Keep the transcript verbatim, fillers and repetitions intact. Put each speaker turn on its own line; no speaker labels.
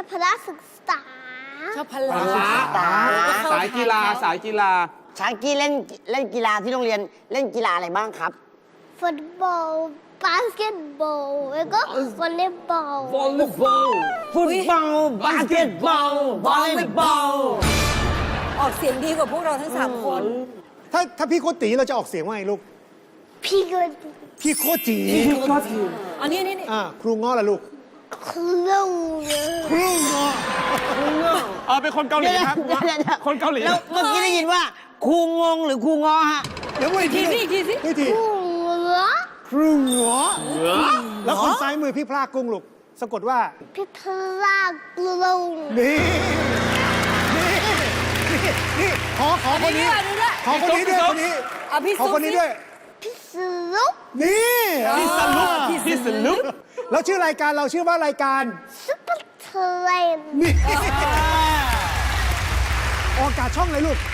อบพละศึกษา
ชอบพ
พ
ละ
ละ สายกีฬาสายกีฬา
ชากี้เล่นเล่นกีฬาที่โรงเรียนเล่นกีฬาอะไรบ้างครับ
ฟุตบอลบาสเกตบอลแล้วก็วอลเลย์บอล
วอลเลย์บอล
ฟุตบอลบาสเกตบอลวอลเลย์บอล
ออกเสียงดีกว่าพวกเราทั้งสามคน
ถ้าถ้าพี่โคตีเราจะออกเสียงว่าไงลูก
พี่ก็
พี่โคจี
อันนี้นี่นี่
อ่าครูง้อละลูก
ครูเลย
ครูง้อ
เออเป็นคนเกาหลีครับ
เดี๋ยวเดี๋ยวเดี๋ยว
คนเกาหลี
แล้วเมื่อกี้ได้ยินว่าครูงงหรือครูงอฮะ
เดี๋ยวอีกที
ทีสิอีกทีสิ
อีกที
ครูเหรอ
ครูง้อแล้วคนซ้ายมือพี่พลากุ้งลูกสะกดว่า
พี่พลากลง
นี่นี่นี่นี่ขอขอคนนี้
อันนี้ด้วย
ขอคนนี้ด้วยคนนี้
อ่ะพี่
ขอ
ซุป
คนนี้ด้วย
พี่สลุก
นี่
พี่สลุก
อ่า
พี่สลุก
แล้วชื่อรายการเราชื่อว่ารายการ
ซุปเปอร์เทรน
นี่ออกอากาศช่องเลยลูก